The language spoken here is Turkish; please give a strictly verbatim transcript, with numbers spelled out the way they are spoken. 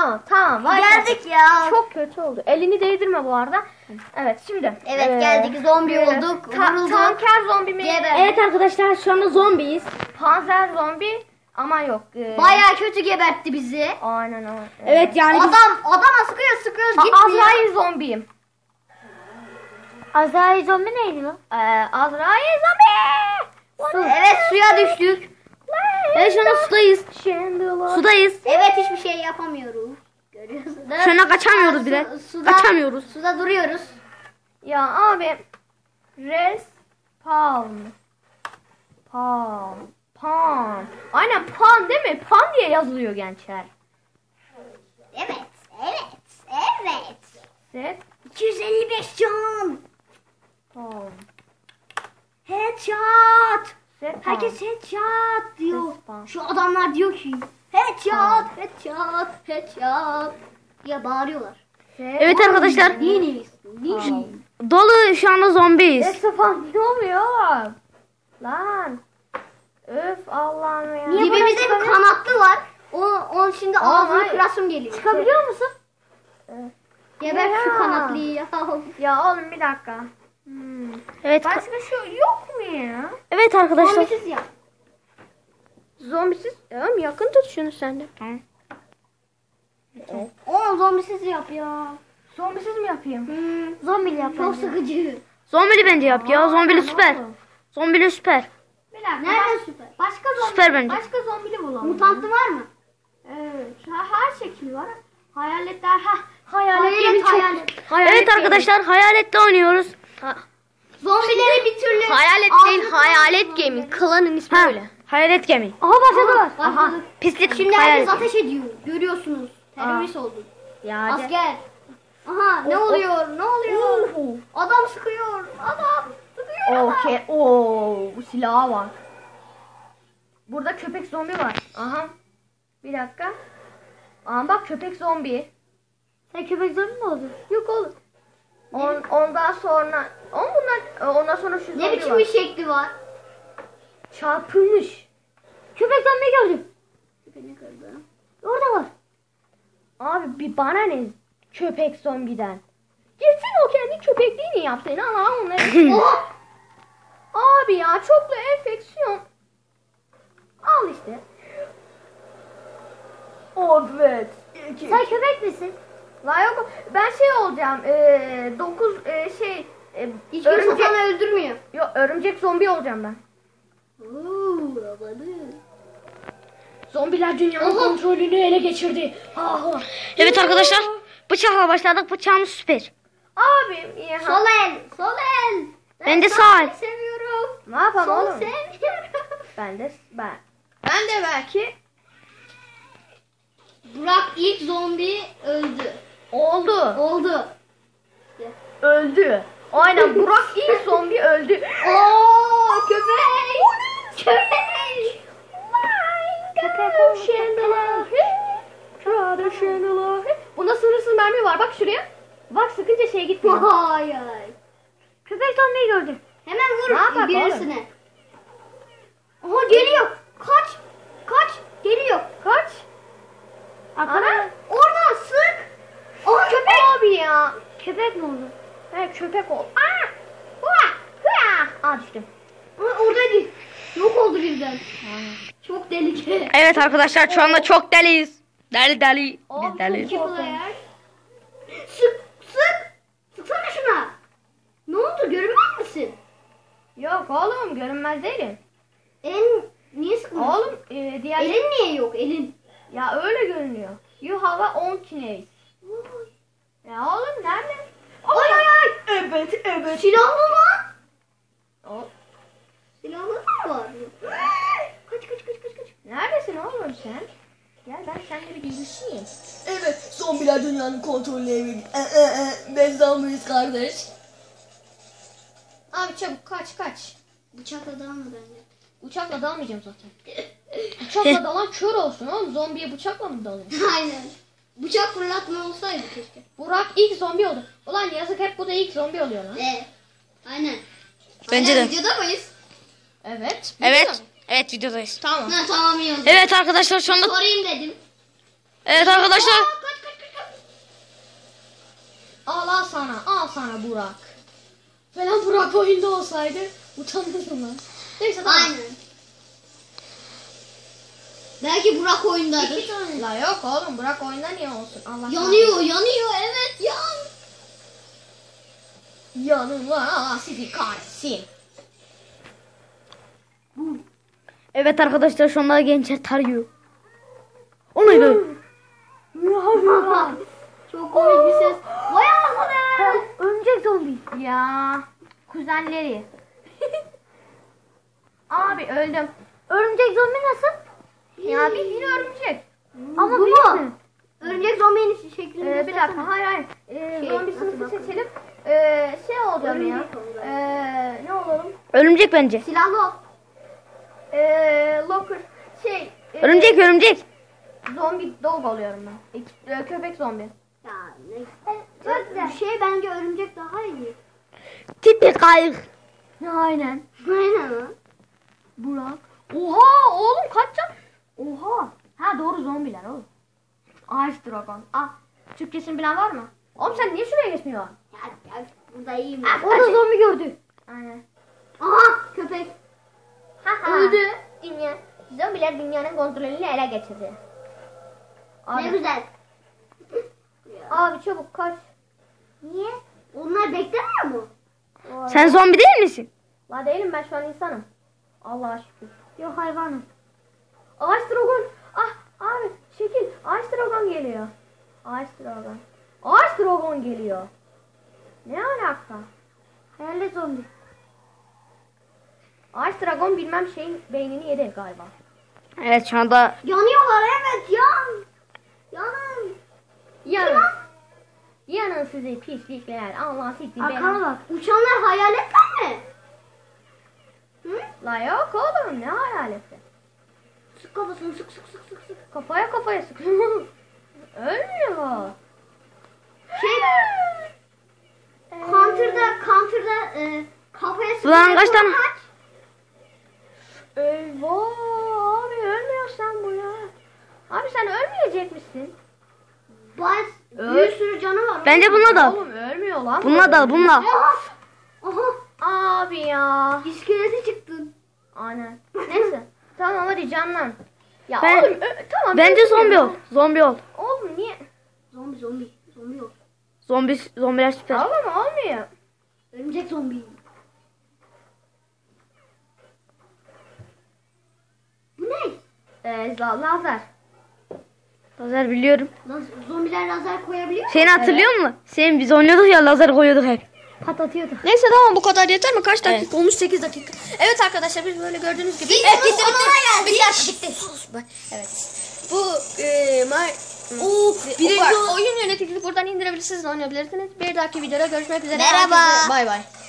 Tamam tamam. Vay Geldik ya. Çok kötü oldu. Elini değdirme bu arada. Evet şimdi. Evet ee, geldik. Zombi böyle olduk. Ta Vurulduk. tanker zombi mi? Geber. Evet arkadaşlar şu anda zombiyiz. Panzer zombi ama yok. Ee, Bayağı kötü gebertti bizi. Aynen aynen. Evet yani biz- Adam adama sıkıyor sıkıyoruz Ha, gitmiyor. Azrail zombiyim. Azrail zombi neydi lan? Ee, Azrail zombi. Evet suya düştük. Evet şu anda sudayız. Chandler. Sudayız. Evet hiçbir şey yapamıyoruz. Görüyorsunuz. Şu anda kaçamıyoruz bile. Su- suda- Kaçamıyoruz. Suda duruyoruz. Ya abi. Respawn. Pan. Pan. Aynen pan değil mi? Pan diye yazılıyor gençler. Evet. Evet. Evet. Set. iki yüz elli beş can. Pan. Headshot. Set. Herkes headshot diyor. Respawn. Şu adamlar diyor ki headshot, headshot, headshot diye bağırıyorlar. Evet arkadaşlar. Neyiniz? Neyiniz? Dolu şu anda zombiyiz. Respawn ne oluyor oğlum? Lan. Öf Allah'ım ya. Dibimizde bir kanatlı var. O, on şimdi Aa, ağzını hayır. kırasım geliyor. Çıkabiliyor musun? Geber Ya. şu kanatlıyı ya. Ya oğlum bir dakika. Hmm. Evet. Başka şu yok mu ya? Evet arkadaşlar. Zombisiz ya. Zombisiz. Oğlum yakın tut şunu sen de. O zombisiz yap ya. Zombisiz mi yapayım? Hmm. Zombili yap. Çok sıkıcı. Zombili bence yap ya. Zombili Aa, süper. tamam. Zombili süper. Bir dakika. Nereden süper? Başka zombi. Süper bence. Başka zombili bulalım. Mutantlı var mı? Evet. Her, her şekil var. Hayaletler. Ha, hayalet, Hayalet, gemi çok. hayalet. Hayalet Evet gemi. arkadaşlar hayalette oynuyoruz. Ha, Zombileri bir türlü... hayalet değil, Ağzını- hayalet gemi. Klanın ismi Ha, öyle. hayalet gemi. Aha başladılar. Aha. Pislik Şimdi hayalet. herkes ateş ediyor. Görüyorsunuz. Terörist olduk. Ya hadi. Asker. Aha ne O- o- oluyor? Ne oluyor? Oo. Adam sıkıyor. Adam sıkıyor. Okey. Oo, bu silaha bak. Burada köpek zombi var. Aha. Bir dakika. Aa bak köpek zombi. Sen köpek zombi mi oldun? Yok oğlum. On, ondan sonra on bundan ondan sonra şu Ne zombi biçim var. bir şekli var? Çarpılmış. Köpek zombi gördüm. Beni kırdı. Orada var. Abi bir bana ne köpek zombiden. Gitsin o kendi köpekliğini yapsın. Allah onları. Oh! Abi ya çoklu enfeksiyon. Al işte. Evet. İki. Sen köpek misin? La yok ben şey olacağım. Eee dokuz eee, şey e, Hiç kimse örümcek, sana öldürmüyor. yok, örümcek zombi olacağım ben. Uuu babalı. Zombiler dünyanın Oha. kontrolünü ele geçirdi. Ha, ha. Evet arkadaşlar. Bıçakla başladık. Bıçağımız süper. Abi ya. Sol el. Sol el. Ben de sağ el. sağ seviyorum. Ne yapalım Sol oğlum? sevmiyorum. Ben de ben. Ben de belki Burak ilk zombi öldü. oldu. Oldu. Öldü. Aynen Burak ilk zombi öldü. Oo köpek. Köpek. Köpek Chandler. Bunda sınırsız mermi var. Bak şuraya. Bak sıkınca şey gitmiyor. Vay ay. Köpek zombiyi gördüm. Hemen Ne yapak vur birisine. Aha geliyor. Kaç. Kaç. Geliyor. Kaç. Ana. Oradan sık. Aha köpek. Abi ya. Köpek mi oldu? He köpek ol. Aa. Hua. Hua. Aa düştüm. Aha oradaydı. Yok oldu birden. Çok deli. Evet arkadaşlar şu anda çok deliyiz. Deli deli. Biz deliyiz. İki player. Sık. Sık. Sıksana şuna. Ne oldu görünmez misin? Yok oğlum görünmez değilim. Elin niye sıkmıyorsun? Oğlum e, diğer Elin niye yok elin? ya öyle görünüyor. You have a on kinesis. Ya oğlum nerede? Ay ay ay. Evet evet. Silahlı lan. O, Silahlı da var. Kaç kaç kaç kaç kaç. neredesin oğlum sen? Gel ben seninle bir görüşeyim. Evet, zombiler dünyanın kontrolüne e, e, e, biz zombiyiz kardeş. Abi çabuk kaç kaç. Bıçakla dalma bence. Uçakla dalmayacağım zaten. Uçakla dalan kör olsun oğlum. Zombiye bıçakla mı dalıyor? Aynen. Bıçak fırlatma olsaydı keşke. Burak ilk zombi oldu. Ulan yazık hep bu da ilk zombi oluyor lan. Ee, aynen. Bence Aynen, de. Videoda mıyız? Evet. Evet. Evet videodayız. Tamam. Ha tamam iyi oldu. Evet arkadaşlar şu anda. Sorayım dedim. Evet arkadaşlar. Aa, kaç Al al sana. Al sana Burak. Falan Burak oyunda olsaydı utanırdım lan. Neyse tamam. Aynen. Belki Burak oyundadır. İki tane. La yok oğlum Burak oyunda niye olsun? Allah Yanıyor, yanıyor. Evet, yan. Yanıma sizi kahretsin. Evet arkadaşlar şu anda gençler tarıyor. O neydi? Çok komik bir ses. Vay anasını. Örümcek zombi. Ya kuzenleri. Abi öldüm. Örümcek zombi nasıl? Ya bildiğin örümcek. Ama Bu büyük mu? mü? Örümcek zombinin şeklini Ee, bir dakika hayır hayır. Ee, Şey, zombi nasıl sınıfı bakalım? seçelim. Ee, şey olacağım ya. Örümcek olalım. Ee, ne olalım? Örümcek bence. Silahlı ol. Ee, locker. Şey. e, Örümcek örümcek. Zombi dog oluyorum ben. İki- e, köpek zombi. Ya ne? Çok güzel. Bir şey bence örümcek daha iyi. Tipi kayık. Aynen. Aynen lan. Burak. Oha oğlum kaç can? Oha. Ha doğru zombiler oğlum. Ağaç dragon. Ah. Türkçesini bilen var mı? Oğlum sen niye şuraya geçmiyorsun? Ya, ya burada iyiyim. Ah, orada zombi gördü. Aynen. Aha köpek. Ha öldü. Dünya. Zombiler dünyanın kontrolünü ele geçirdi. Abi, Ne güzel. abi çabuk kaç. Niye? Onlar beklemiyor mu? Sen zombi değil misin? La değilim ben şu an insanım. Allah'a şükür. Yok hayvanım. Ağaç dragon. Ah abi şekil. Ağaç dragon geliyor. Ağaç dragon. Ağaç dragon geliyor. Ne alaka? Hayalet zombi. Ağaç dragon bilmem şeyin beynini yedi galiba. Evet şu anda Yanıyorlar evet yan. Yanın. Yanın. Yanın sizi pislikler. Allah sizi Arkana ben. bak. Uçanlar hayaletler mi? Hı? La yok oğlum ne hayaleti. Sık kafasını sık sık sık sık sık. Kafaya kafaya sık. Ölmüyor. Şey counter'da counter'da e, kafaya sık. Ulan kaç tane- Eyvah abi ölmüyorsan bu ya. Abi sen ölmeyecek misin? Bas. Öl. Bir sürü canı var. bence bununla da. Oğlum ölmüyor lan. Bununla da bununla. Aha. Aha. Abi ya. İskeleti çıktın. Aynen. Neyse. Tamam hadi canlan. Ya Ben- oğlum ö- tamam. Bence ölmüyor. zombi ol. Zombi ol. Oğlum niye? Zombi zombi. Zombi yok. Zombi zombiler süper. Oğlum olmuyor. Örümcek zombi. Bu ne? Ee, za- lazer. Lazer biliyorum. Laz zombiler lazer koyabiliyor mu? Seni hatırlıyor musun? Senin biz oynuyorduk ya lazer koyuyorduk hep. Patlatıyordu. Neyse tamam bu kadar yeter mi? Kaç dakika Evet. olmuş? sekiz dakika. Evet arkadaşlar biz böyle gördüğünüz gibi. Biz Evet bunun bitti bitti. sonuna Bir geldik. dakika bitti. Sus be. Evet. Bu e, ma Oo, birinci oyun yöneticisi buradan indirebilirsiniz, oynayabilirsiniz. Bir dahaki videoda görüşmek üzere. Merhaba. Herkese Bay bay.